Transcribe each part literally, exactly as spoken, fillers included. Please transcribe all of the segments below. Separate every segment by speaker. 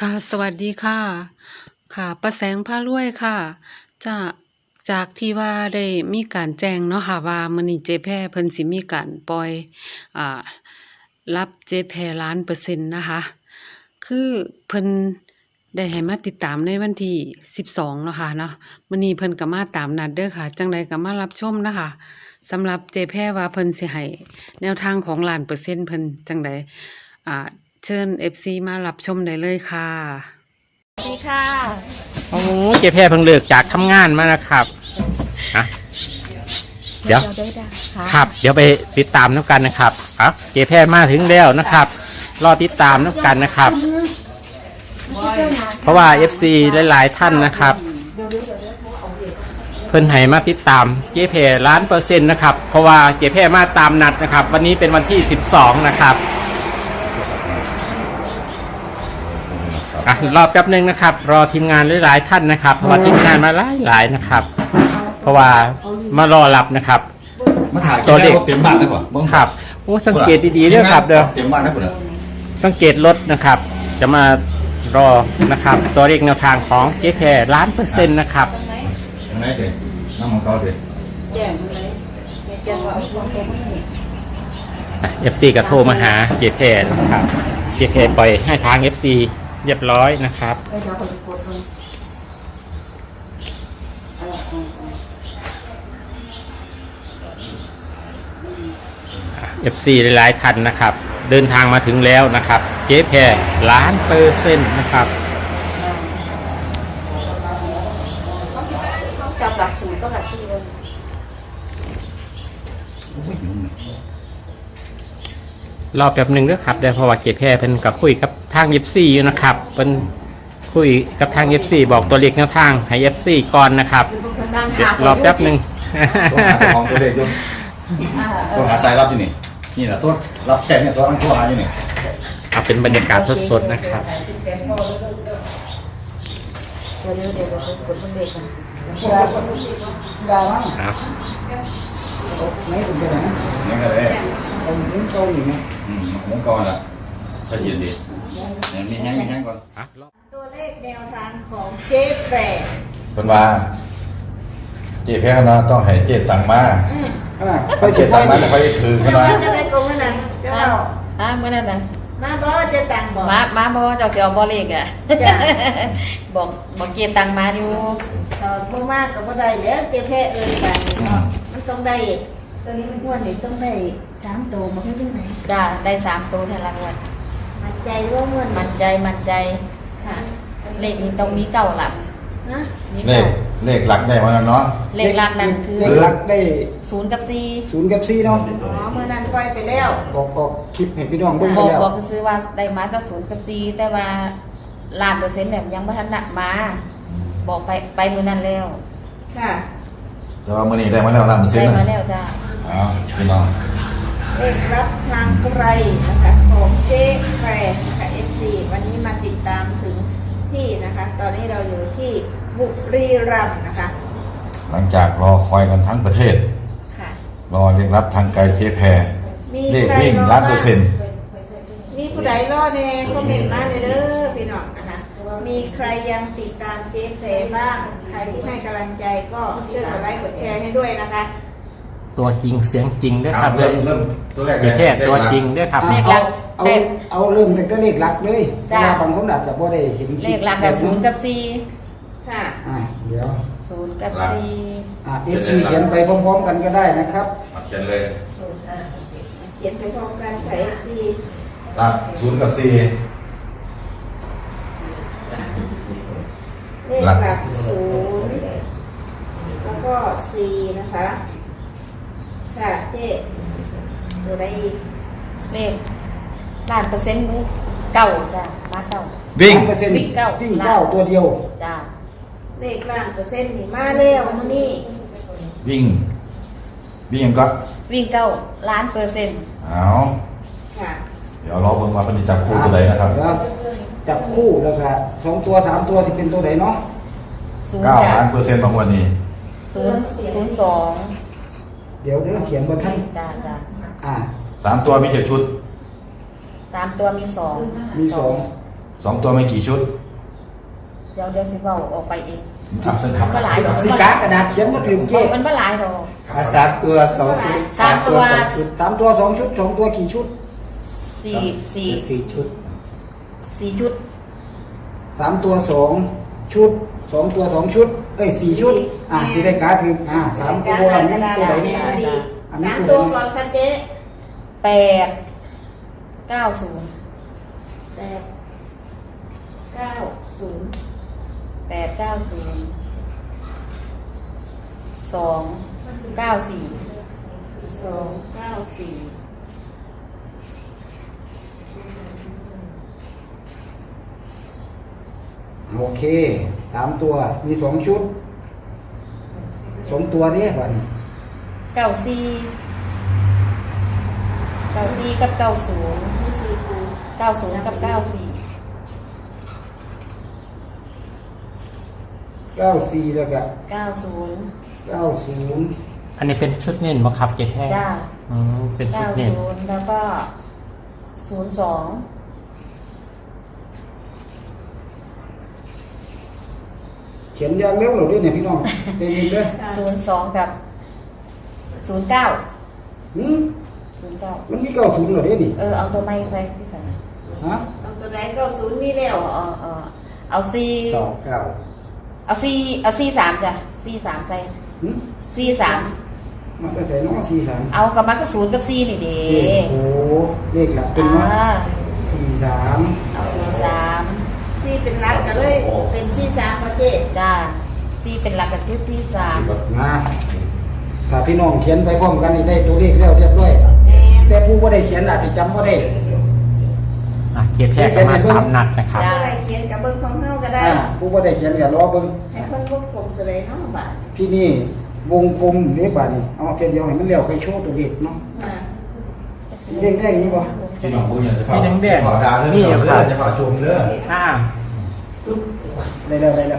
Speaker 1: ค่ะสวัสดีค่ะค่ะป้าแสงพารวยค่ะจะจากที่ว่าได้มีการแจ้งเนาะค่ะว่ามื้อนี้เจ๊แพรเพิ่นสิมีการปล่อยอ่ารับเจ๊แพรล้านเปอร์เซ็นต์นะคะคือเพิ่นได้ให้มาติดตามในวันที่สิบสองเนาะค่ะเนาะมื้อนี้เพิ่นก็มาตามนัดเด้อค่ะจังใดก็มารับชมนะคะสำหรับเจ๊แพรว่าเพิ่นสิให้แนวทางของล้านเปอร์เซ็นต์เพิ่นจังใดอ่าเชิญ เอฟ ซี มารับชมได้เลยค่ะ
Speaker 2: สวัสดีค่ะ
Speaker 3: โอ้เจ๊แพรเพิ่งเลิกจากทำงานมานะครับอ่ะเดี๋ยว
Speaker 2: ได้ได้ค่ะ
Speaker 3: ครับ เดี๋ยวไปติดตามน้ำกันนะครับอ่ะเจ๊แพรมาถึงแล้วนะครับ รอติดตามน้ำกันนะครับ เพราะว่า เอฟ ซี หลายๆท่านนะครับ เพิ่นให้มาติดตามเจ๊แพรล้านเปอร์เซ็นต์นะครับ เพราะว่าเจ๊แพรมาตามนัดนะครับ วันนี้เป็นวันที่สิบสองนะครับอ่ะรอแป๊บนึงนะครับ รอทีมงานหลายๆท่านนะครับ เพราะว่าทีมงานมาหลายๆนะครับ เพราะว่ามารอรับนะครับ
Speaker 4: มาถ่ายตัวเลขเต็มบ้านได้ป่ะมึง
Speaker 3: ครับโอ้สังเกตดีๆด้วยครับเด้อ
Speaker 4: เต็มบ้านได้ป่ะ
Speaker 3: สังเกตรถนะครับ จะมารอนะครับ ตัวเลขแนวทางของเจ๊แพรล้านเปอร์เซ็นต์นะครับ
Speaker 4: ยังไงเด็กน้ำมันก็เด็ก
Speaker 3: เอฟซีก็โทรมาหาเจ๊แพรนะครับเจ๊แพรปล่อยให้ทาง เอฟ ซี เรียบร้อยนะครับเอฟซีหลายๆท่านนะครับ เดินทางมาถึงแล้วนะครับ เจ๊แพรล้านเปอร์เซ็นต์นะครับ
Speaker 2: จับหลักสูตรก็หลักสี่เลย
Speaker 3: รอแป๊บหนึ่งด้วยครับเดี๋ยวเพราะว่าเจ๊แพรเป็นกับคุยกับทาง เอฟ ซี อยู่นะครับเป็นคุยกับทาง เอฟ ซี บอกตัวเลขแนวทางให้ เอฟ ซี ก่อนนะครับเดี๋ยวรอแป๊บหนึ่ง
Speaker 4: ตัวหาของตัวเลขยนตัวหาสายรับอยู่นี่นี่แหละตัวรับแค่เนี่ยตัวนั่งตัวหาอยู่นี่
Speaker 3: เอาเป็นบรรยากาศสดๆนะครับ
Speaker 2: เดี๋ยวเดี๋ยวเดี๋ยวเดี๋ยวกดเด็กกัน
Speaker 3: ครับ
Speaker 4: นี่ก็เลยมุ้งก้อนอยู่ไหมอืมมุ้งก้อนอ่ะถ้าเย็นดีเนี่ยมีแห้งมีแห้งก่อน
Speaker 3: อ่ะ
Speaker 5: ตัวเลขแนวทางของเจ๊แปร
Speaker 4: เป็นว่าเจ๊แพ้คณะต้องให้เจ๊ตังมา
Speaker 5: ค่อย
Speaker 4: เจ๊ตังมาแล้วค่อยถือค
Speaker 5: จะ
Speaker 4: ณะ
Speaker 5: ว่าจะได้โกงขนาดจะเล่า
Speaker 2: อ่ะเมื่อนั้นนะ
Speaker 5: มาบอเจ๊ตังบอก
Speaker 2: มามาบอกว่าเจ้าเสียวบอเลกอ่ะ
Speaker 5: จ้ะ
Speaker 2: บอกบอกเกียรตังมาอยู่
Speaker 5: ตอนบ่มากกับบ่ได้แล้วเจ๊แพ้เอ่ยไปเนาะมันต้องได้ตัวนี้มันอ้วนนี่ต้องได้สามตัวมาให้ได้ไหน
Speaker 2: จ้าได้สามตัวแทนรางวัล
Speaker 5: มั่นใจว่าอ้วน
Speaker 2: มั่นใจมั่นใจ
Speaker 5: ค่ะ
Speaker 2: เลขนี้ต้องมีเก้าหลัก
Speaker 5: นะ
Speaker 2: มี
Speaker 4: เล
Speaker 2: เก้า
Speaker 4: ขเลขหลักได้มาแล้วเนาะ
Speaker 2: เลขหลักนั่นคือ
Speaker 6: เลขหลักได้
Speaker 2: ศูนย์กับสี่
Speaker 6: ศูนย์กับสี่เนาะ
Speaker 5: อ๋อเมื่อนั้นปล่อยไปแล้ว
Speaker 6: บอกก็คลิปให้พี่น้องเบิ่ง
Speaker 2: บ
Speaker 6: ไป
Speaker 2: อก
Speaker 6: แล้ว
Speaker 2: บอกก็ซื้อว่าได้มาตั้งศูนย์กับสี่แต่ว่าล้านเปอร์เซ็นต์เนี่ยยังไม่ทันนักมา บอกไปไปมือนั้นแล้ว
Speaker 5: ค่ะ
Speaker 4: แต่ว่ามื้อนี้ได้มาแล้วล้านเปอร์เซ็น
Speaker 2: ได้
Speaker 4: ต์นะ
Speaker 2: มาแล้วจ้า
Speaker 4: อ้าวพี่น้อง
Speaker 5: เลขรับทางไกลนะคะของเจ๊แปรนะคะ เอฟ ซี วันนี้มาติดตามถึงที่นะคะ ตอนนี้เราอยู่ที่บุรีรัมย์นะคะ
Speaker 4: หลังจากรอคอยกันทั้งประเทศ
Speaker 5: ค่ะ
Speaker 4: รอเรียกรับทางไกลเจ๊แพร
Speaker 5: มี
Speaker 4: เลข
Speaker 5: ใคร
Speaker 4: วิ่ง
Speaker 5: รอ
Speaker 4: ล้านเปอร์เซ็นต์
Speaker 5: มีผู้ใดรอแน่คอมเมนต์มาเลยเด้อพี่น้องนะคะ มีใครยังติดตามเจ๊แพรบ้าง ใครที่ให้กำลังใจก็ช่วยกดไลค์กดแชร์ให้ด้วยนะคะ
Speaker 3: ตัวจริงเสียงจริงด้วยครับ
Speaker 4: เริ่มเริ่มตัวแรก
Speaker 3: เจ๊แพรตัวจริงด้วยครับ
Speaker 2: เลขห
Speaker 6: เอา
Speaker 2: ลัก
Speaker 6: เอา
Speaker 2: เลข
Speaker 6: เอาเริ่มตั้งแต่เลขหลักเลย
Speaker 2: จ้ะ
Speaker 6: เพราะว่าบางคนอาจจะบ่ได้เห็น
Speaker 2: เลขหลักกับศูนย์กับสี่
Speaker 5: ค่ะ
Speaker 6: อ่าเดี๋ยว
Speaker 2: ศูนย์กับสี่
Speaker 6: อ่า เอฟ ซี เขียนไปพร้อมๆกันก็ได้นะครับ
Speaker 4: มาเขียนเลย
Speaker 5: เขียนไปพร้อมกันใส่ เอฟ ซี
Speaker 4: หลักศูนย์กับสี่
Speaker 5: เลขหลักศูนย์แล้วก็สี่นะคะ ค่ะเจ๊ตัวใดอีก
Speaker 2: เลขล้านเปอร์เซ็นต์เลยเก้าจ้ามาเก้า
Speaker 4: วิ่ง
Speaker 6: เปอร์เซ็นต์
Speaker 2: วิ่งเก้า
Speaker 6: วิ่งเก้าตัวเดียว
Speaker 2: จ้า
Speaker 5: เลขล้านเปอร์เซ็นต์นี่มาแล้วมื้อนี้
Speaker 4: วิ่ง วิ่งยังก็
Speaker 2: วิ่งเก้าล้านเปอร์เซ็นต์
Speaker 4: เอา
Speaker 5: ค่ะ
Speaker 4: เดี๋ยวรอเบิ่งว่าเป็นจับคู่ตัวใดนะครับ
Speaker 6: เดี๋ยวจับคู่แล้วก็สองตัวสามตัวสิเป็นตัวไหนเนาะ
Speaker 2: ศูนย์
Speaker 4: เก้า
Speaker 2: จ้า
Speaker 4: ล้านเปอร์เซ็นต์บางวันนี้
Speaker 2: ศูนย์ศูนย์สอง
Speaker 6: เดี๋ยวเดี๋ยวเขียนบนท่าน
Speaker 2: จ้าจ้า
Speaker 6: อ่า
Speaker 4: สามตัวมีเจ็ดชุด
Speaker 2: สามตัวมีสอง
Speaker 6: มีสอง
Speaker 4: สองตัวไม่กี่ชุด
Speaker 2: เดี๋ยวเดี๋ยวสิเว้าออกไปเอง
Speaker 4: อ่ะเส้นครับ
Speaker 2: มันบ่หลายดอก
Speaker 6: สีกากระดาษเขียนมาถึงเจ๊
Speaker 2: มันบ่หลายดอก
Speaker 6: อ่ะสามตัวสองชุด
Speaker 2: สามตัว
Speaker 6: สองชุดสามตัวสองชุดสองตัวกี่ชุด
Speaker 2: สี่สี่
Speaker 6: สี่ชุด
Speaker 2: สี่ชุด
Speaker 6: สามตัวสองชุดสองตัวสองชุดเอ้ยสี่ชุดอ่ะสีได้การ์ดถึงอ่ะสามตัวนี่ตัวไหนนี่อันนี้
Speaker 5: สาม
Speaker 6: ตั
Speaker 5: ตัว ว
Speaker 6: ไหน
Speaker 5: ก่อนค่ะเจ๊
Speaker 2: แปดเก้าศูนย์
Speaker 5: แปดเก้าศูนย์
Speaker 2: แปดเก้าศูนย์สองเก้าสี่
Speaker 5: สองเก้าสี่
Speaker 6: โอเคสามตัวมีสองชุดสองตัวนี่วันนี้
Speaker 2: เก้าสี่เก้าสี่กับเก้าศูนย์
Speaker 5: มีสี่คู
Speaker 2: เก้าศูนย์กับเก้าสี่
Speaker 6: เก้าสี่แล้วก็
Speaker 2: เก้าศูนย์
Speaker 6: เก้าศูนย์
Speaker 3: อันนี้เป็นชุดเน้นบ่ครับเจ๊แพทย์
Speaker 2: จ้า
Speaker 3: อืมเป็นชุ
Speaker 2: เก้า
Speaker 3: ดเน้น
Speaker 2: ศูนย์แล้วก็ศูนย์สอง
Speaker 6: เขียนอย่างเร็วเราด้วยเนี่ยพี่น้องใจเย็นเด้อ
Speaker 2: ศูนย์สองกับศูนย์เก้า
Speaker 6: หืม
Speaker 2: ศูนย์เก้า
Speaker 6: มันมีเก้าศูนย์เหรอเนี่ยนี่
Speaker 2: เออเอาตัวไม่ไปที่ใส่
Speaker 6: ฮะ
Speaker 5: เอาตัวไหนเก้าศูนย์มีแล้ว
Speaker 2: เอาเอาเอาเอาสี่
Speaker 6: สองเก้า
Speaker 2: เอาสี่เอาสี่สามจ้ะสี่สามใส่
Speaker 6: หืม
Speaker 2: สี่สาม
Speaker 6: มันจะใส่น้องสี่สาม
Speaker 2: เอากับมันก็ศูนย์กับสี่นี่เด้
Speaker 6: โอ้โหเลขหลักเป็น
Speaker 2: อ่า
Speaker 6: ว่าสี่สาม
Speaker 2: เอาสี่สาม
Speaker 5: สี่เป็นรักกันเลยเป็นสี่สามค่ะเจ๊
Speaker 2: จ้าสี่เป็นหลักกับที่สี่สาม
Speaker 6: มาถ้าพี่น้องเขียนไปพร้อมกันนี่ได้ตัวเลขแล้วเรียบร้อย
Speaker 5: แม่น
Speaker 6: แต่ผู้ว่าได้เขียนอาจจะจำว่าได้
Speaker 3: อ่ะเจ๊แพทย์ก็มาตามนัดนะครับ
Speaker 5: ตัวไหนเขียนกับเบิ้งของเฮาก็ได้
Speaker 6: อ่าผู้ว่าได้เขียนกับรอเบิ่ง
Speaker 5: ให้คนวงกลมตัวไหนเนาะบาท
Speaker 6: ที่นี่วงกลมเรียบาดนี่เอาแค่เดียวให้มันเลี้ยวค่อยโชว์ตัวเลขเนาะ
Speaker 5: อ่า
Speaker 6: สีแดงๆนี่บ่
Speaker 4: พี่น้องบุญอยากจะ
Speaker 3: สีแดงๆ
Speaker 4: เผาดาวเรื่อง
Speaker 3: นี่
Speaker 4: เผา
Speaker 3: ค
Speaker 4: เรื่
Speaker 3: รั
Speaker 4: อบ งจะเผาจุ่มเรื่อง
Speaker 3: อ่า
Speaker 6: ได้แล้วได้แล้ว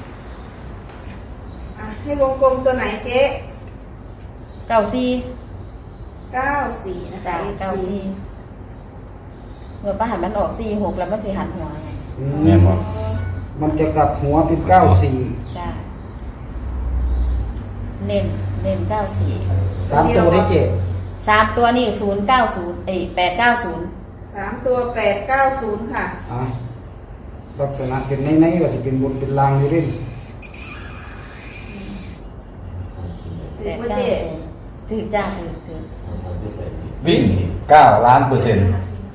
Speaker 5: อ่ะให้วงกลมตัวไหนเจ๊
Speaker 2: เก้าสี่
Speaker 5: เก้าสี่นะคะ
Speaker 2: จ้าเก้าสี่เมื่อป้าหันมันออกสี่หกแล้วมันสิหันหัวไง
Speaker 6: อืม
Speaker 4: แม่บอก
Speaker 6: มันจะกลับหัวเป็นเก้าสี่
Speaker 2: จ้าเน้นเน้นเก้าสี่
Speaker 6: สามตัวได้เจ็ด
Speaker 2: สามตัวนี่ศูนย์เก้าศูนย์เอ้แปดเก้าศูนย์
Speaker 5: สามตัวแปดเก้าศูนย์ค่ะ
Speaker 6: อ่ะลักษณะเป็นในๆว่าสิเป็นบนเป็นลางอยู่เด้
Speaker 5: ถื
Speaker 2: แป
Speaker 5: อ
Speaker 2: ด
Speaker 5: ว่า
Speaker 2: เก้า
Speaker 5: เจ๊
Speaker 2: ศูนย์ถือจ้าถือถือ
Speaker 4: วิ่งเก้าล้านเปอร์เซ็นต์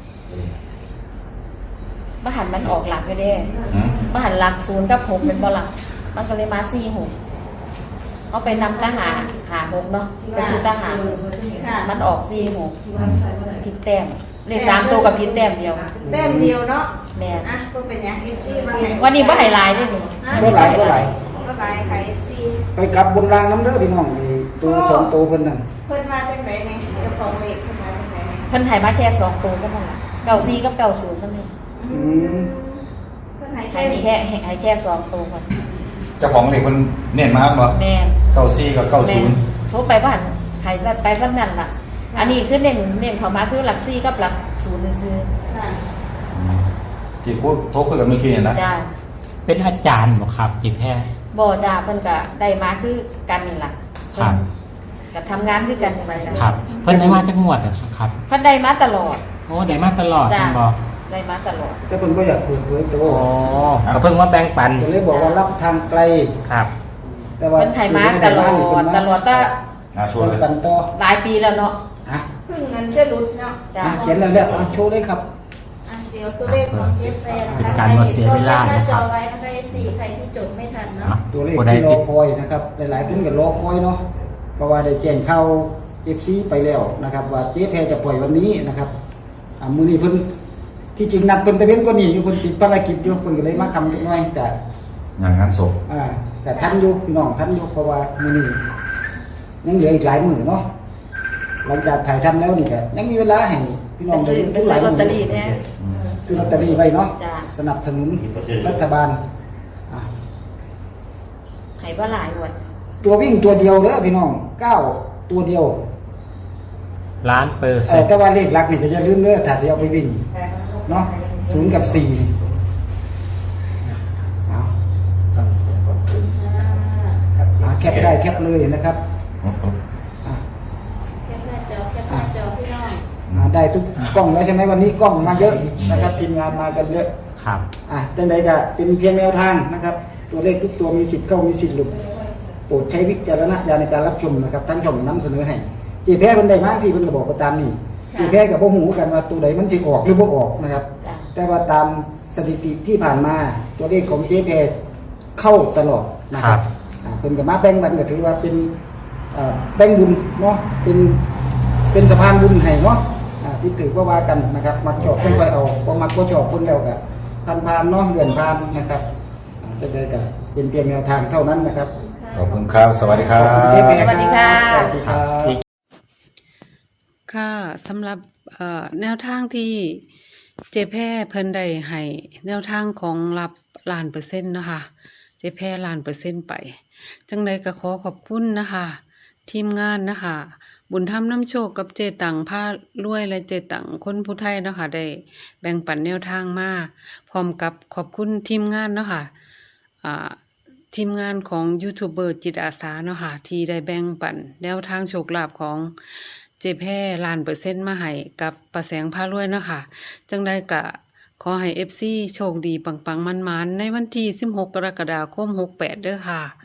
Speaker 2: ป้าหันมันออกหลักไปเด้
Speaker 4: อืม
Speaker 2: ป้าหันหลักศูนย์กับหกเป็นบ่หลักมันก็เลยมาสี่หกเอาไปนำทหารหาหกเนาะไปซื้อทหาร
Speaker 5: ค่ะ
Speaker 2: มันออกสี่หกผิดแต้มเลขสามตัวกับผิดแต้มเดียว
Speaker 5: แต้มเดียวเนาะ
Speaker 2: แม่น
Speaker 5: อ่ะก็เป็นอย่างเอฟซีมาให้
Speaker 2: วันนี้บ่ไฮไลท์ด้วยนี่
Speaker 6: ก็หลายก็หลาย
Speaker 5: ก็หลายค่ะเอฟซี
Speaker 6: ไปกลับบนรางน้ำเด้อพี่น้องนี่ตัวสองตัวเพิ่นนั่น
Speaker 5: เพิ่นมาจากไหนเนี่ยเจ้าของเลขเพิ่นมาจากไหนเนี่ย
Speaker 2: เพิ่นให้มาแค่สองตัวซะบ่ล่ะเก้าสี่กับเก้าศูนย์ซะแม่น
Speaker 6: อืม
Speaker 5: เพิ่นให้
Speaker 2: ให้
Speaker 5: แค่นี้
Speaker 2: แค่ให้แค่สองตัวก่อน
Speaker 4: เจ้าของเหล็กมันเน้นมากบ่
Speaker 2: แม่น
Speaker 4: เก้าสี่กับเก้า
Speaker 2: แม่
Speaker 4: ศู
Speaker 2: น
Speaker 4: นย์
Speaker 2: โทรไปบ้านให้ไปซะนั่นล่ะ อันนี้คือเน้นเน้นเข้ามาคือหลักสี่กับหลักศูนย์ซื่อ
Speaker 5: ค่ะ
Speaker 4: ที่พูดโทรคุยกับเมื่อกี้เนี่ยนะ
Speaker 2: ๆจ้า
Speaker 3: เป็นอาจารย์บ่ครับเจ๊แพทย์
Speaker 2: บ่จ้าเพิ่นก็ได้มาคือกันนี่ล่ะ
Speaker 3: ครับ
Speaker 2: ก็ทำงานด้วยกันนี่ล่ะจ้ะ
Speaker 3: ครับ เพิ่นได้มาจากงวดเหรอครับ
Speaker 2: เพิ่นได้มาตลอด
Speaker 3: โอ้ได้มาตลอด
Speaker 2: จ้า
Speaker 3: เพิ่นบอก
Speaker 2: ได้มาตลอด
Speaker 6: แต่เพิ่นก็อยากเปิดเผยตัว
Speaker 3: โอ้ก็เพิ่งมาแบ่งปัน
Speaker 6: ก็เลยบอกว่ารับทางไกล
Speaker 3: ครับ
Speaker 6: แต่ว่า
Speaker 2: เพิ่นให้มาตลอดตลอดก็
Speaker 4: อ่าชวนเลย
Speaker 6: กันต่อ
Speaker 2: หลายปีแล้วเนาะ
Speaker 6: อ่ะ
Speaker 5: เพิ่งเงินจะหลุดเนาะ
Speaker 2: จ้า
Speaker 6: อ่ะเขียนแล้วแล้วอ่ะโชว์เลยครับ
Speaker 5: อ่ะเดี๋ยวตัวเลขของเจฟแฟน
Speaker 3: เป็นการบ่เสียเวลานะครับ
Speaker 5: ใครที่จดหน้าจอไว้นะคะ เอฟ ซี ใครที่จดไม่ทันเนาะ
Speaker 3: อ่ะ
Speaker 6: ตัวเลข
Speaker 3: ผู้ใด
Speaker 6: ที่รอ
Speaker 3: ติด
Speaker 6: คอยนะครับ หลายๆคนก็รอคอยเนาะเพราะว่าได้แจ้งข่าว เอฟ ซี ไปแล้วนะครับ ว่าเจ๊แพรจะปล่อยวันนี้นะครับอ่ะมื้อนี้เพิ่นที่จริงนัดเพิ่นตะเว้นกว่านี้อยู่เพิ่นติดภารกิจอยู่เพิ่นก็เลยมาคำนิดหน่อยแต่
Speaker 4: อย่างงานศพ
Speaker 6: อ่าแต่ทันอยู่พี่น้องทันอยู่เพราะว่ามื้อนี้ยังเหลืออีกหลายมื้อเนาะหลังจากถ่ายทำแล้วนี่ก็ยังมีเวลาให้พี่น้
Speaker 2: ไป
Speaker 6: อง
Speaker 2: ซื้อไป
Speaker 6: ทุกห
Speaker 2: ซื้
Speaker 6: ลา
Speaker 2: อย ลอตเตอ
Speaker 6: มื้
Speaker 2: รี่
Speaker 6: อ
Speaker 2: เนี่ย
Speaker 6: ซื้อลอตเตอรี่ไว้เนาะ
Speaker 2: จ้า
Speaker 6: สนับสนุนรัฐบาลอ่ะ
Speaker 2: ให้บ่หลายหมด
Speaker 6: ตัววิ่งตัวเดียวเด้อพี่น้องเก้าตัวเดียว
Speaker 3: ล้านเปอร์
Speaker 6: เอ
Speaker 3: เซ็
Speaker 6: อน
Speaker 3: ต์
Speaker 6: แต่ว่าเลขหลักนี่ก็จะลืมเด้อถ้าสิเอาไปวิ่งเนาะศูนย์กับสี่แคปได้แคปเลยนะครับอ่ะ
Speaker 5: แคปหน้าจอแคปหน้าจอพี่น้อง
Speaker 6: อ่าได้ทุกกล้องแล้วใช่ไหมวันนี้กล้องมาเยอะนะครับทีมงานมากันเยอะ
Speaker 3: ครับ
Speaker 6: อ่ะจังใดก็เป็นเพียงแนวทางนะครับ ตัวเลขทุกตัวมีสิทธิ์เข้ามีสิทธิ์หลุดโปรดใช้วิจารณญาณในการรับชมนะครับทั้งช่องนำเสนอให้เจ๊แพ้เป็นใดมากสิเพิ่นก็บอกไปตามนี่เจ๊แพ้กับพ่อหูกันว่าตัวใดมันจะออกหรือบ่ออกนะครับ
Speaker 2: จ้ะ
Speaker 6: แต่ว่าตามสถิติที่ผ่านมาตัวเลขของเจ๊แพ้เข้าตลอดนะครับอ่าเพิ่นก็มาแบ่งบันก็ถือว่าเป็นอ่าแบ่งบุญเนาะเป็นเป็นสะพานบุญให้เนาะอ่าที่ถือว่าว่ากันนะครับมักชอบเพิ่นไปเอาบ่มักบ่ชอบเพิ่นแล้วก็ผ่านๆเนาะเลื่อนผ่านนะครับอ่าจังใดก็เป็นเพียงแนวทางเท่านั้นนะครับ
Speaker 4: ขอบคุณครับ สวัสดีครับ
Speaker 6: เจ๊แพ้
Speaker 2: สวัสดีค่ะ
Speaker 6: สวัสดีครับ
Speaker 1: ค่ะสำหรับเอ่อแนวทางที่เจแพ้เพิ่นได้ให้แนวทางของรับล้านเปอร์เซ็นต์นะคะเจแพ้ล้านเปอร์เซ็นต์ไป จังใดก็ขอขอบคุณนะคะ ทีมงานนะคะ บุญธรรมน้ำโชคกับเจตังผ้ารวยและเจตังคนผู้ไทยเนาะคะได้แบ่งปันแนวทางมาพร้อมกับขอบคุณทีมงานเนาะค่ะอ่าทีมงานของยูทูบเบอร์จิตอาสาเนาะค่ะที่ได้แบ่งปันแนวทางโชคลาภของเจแพ้ล้านเปอร์เซ็นต์มาให้กับประแสงผ้ารวยเนาะค่ะจังได้กะขอให้ เอฟ ซี โชคดีปังๆมันๆในวันที่สิบหกกรกฎาคมหกแปดเด้อค่ะ